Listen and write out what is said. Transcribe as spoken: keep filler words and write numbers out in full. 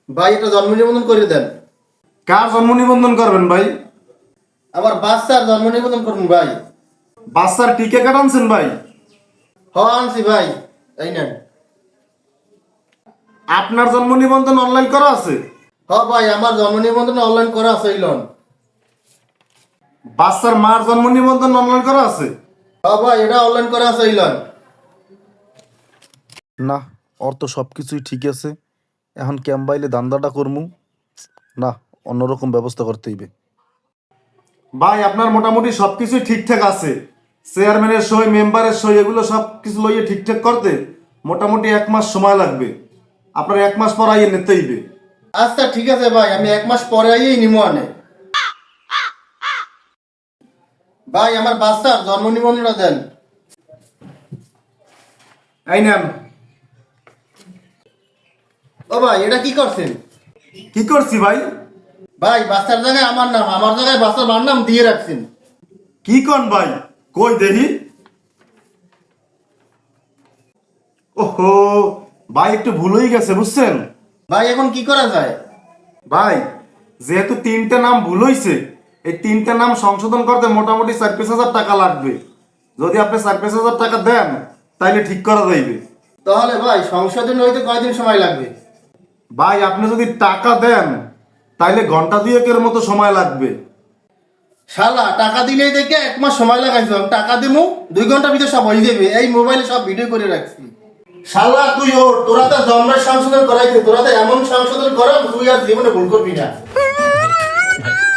ভাই এটা জন্ম নিবন্ধন করে দেন। কার জন্ম নিবন্ধন করবেন ভাই? আমার বাচ্চার জন্ম নিবন্ধন করুন ভাই। বাচ্চার টিকে কার্ড আনছেন ভাই? হ আনছি ভাই, এই নেন। আপনার জন্ম নিবন্ধন অনলাইন করা আছে? হ ভাই, আমার জন্ম নিবন্ধন অনলাইন করা আছে, এই লন। বাচ্চার মার জন্ম নিবন্ধন অনলাইন করা আছে? হ ভাই, এটা অনলাইন করা আছে, এই লন। না, ওর তো সব কিছুই ঠিক আছে। এখন ক্যাম্বাইলে দান্দাটা করমু না, অন্যরকম ব্যবস্থা করতে হইবে। ভাই আপনার মোটামুটি সবকিছুই ঠিকঠাক আছে। চেয়ারম্যানের সই, মেম্বারের সই, এগুলো সব কিছু লইয়ে ঠিকঠাক করতে মোটামুটি এক মাস সময় লাগবে। আপনার এক মাস পর আইয়ে নিতে হইবে। আচ্ছা ঠিক আছে ভাই, আমি এক মাস পরে আইয়েই নিমো আনে। ভাই আমার বাচ্চার জন্ম নিবন্ধনটা দেন। এই নেন। ও ভাই, এটা কি করছেন? কি করছি ভাই? ভাই বাচ্চার জায়গায় আমার নাম, আমার জায়গায় বাচ্চার মার নাম দিয়ে রাখছেন। কি কন ভাই? কই দেখি। ওহো, ভাই একটু ভুল হয়ে গেছে বুঝছেন। ভাই এখন কি করা যায়? ভাই যেহেতু তিনটা নাম ভুল হইছে, এই তিনটা নাম সংশোধন করতে মোটামুটি চার পাঁচ হাজার টাকা লাগবে। যদি আপনি চার পাঁচ হাজার টাকা দেন তাইলে ঠিক করা যাইবে। তাহলে ভাই সংশোধন হইতে কয়দিন সময় লাগবে? ভাই আপনি যদি টাকা দেন তাইলে ঘন্টা দুয়েকের মতো সময় লাগবে। শালা টাকা দিলেই দেখে এক মাস সময় লাগাইছো, আমি টাকা দিমু দুই ঘন্টার ভিতরে সব হয়ে যাবে। এই মোবাইলে সব ভিডিও করে রাখছি। শালা তুই ওর, তোরা তো জন্মের সংশোধন করাইছে, তোরা তো এমন সংশোধন করা তুই আর জীবনে ভুল করবি না।